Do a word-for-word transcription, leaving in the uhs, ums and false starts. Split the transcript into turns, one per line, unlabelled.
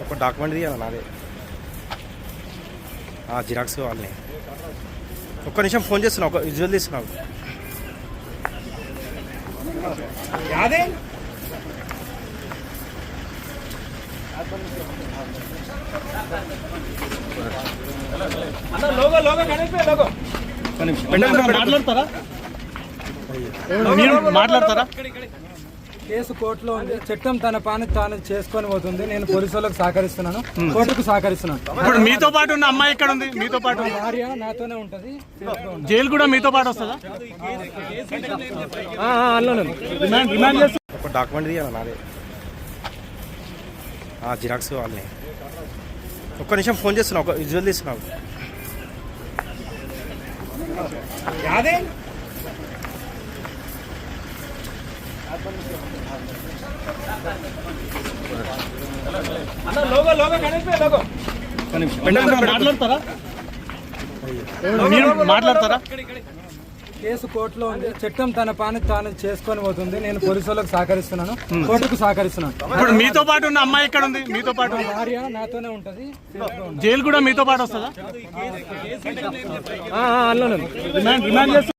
ఒక డాక్యుమెంట్ తీయాలి నాదే జిరాక్స్ వాళ్ళని ఒక్క నిమిషం ఫోన్ చేస్తున్నా ఒక విజువల్ తీస్తున్నావు
మాట్లాడతారా మాట్లాడతారా
కేసు కోర్టులో ఉంది. చట్టం తన పని తాను చేసుకొని పోతుంది. నేను పోలీసు వాళ్ళకి సహకరిస్తున్నాను, కోర్టుకు సహకరిస్తున్నాను.
ఇప్పుడు మీతో పాటు ఉన్న అమ్మాయి ఎక్కడ ఉంది? మీతో పాటు
భార్య నాతోనే ఉంటది.
జైలు కూడా మీతో పాటు వస్తుందా?
ఒక డాక్యుమెంట్ తీయాలి నాదే జిరాక్స్ వాళ్ళని ఒక్క నిమిషం ఫోన్ చేస్తున్నా ఒక విజువల్ తీస్తున్నావు
మాట్లాడతారా మాట్లాడతారా
కేసు కోర్టులో ఉంది. చట్టం తన పని తాను చేసుకొని పోతుంది. నేను పోలీసు వాళ్ళకి సహకరిస్తున్నాను, కోర్టుకు సహకరిస్తున్నాను.
ఇప్పుడు మీతో పాటు ఉన్న అమ్మాయి ఎక్కడ ఉంది? మీతో పాటు
భార్య నాతోనే ఉంటది.
జైలు కూడా మీతో పాటు వస్తుందా?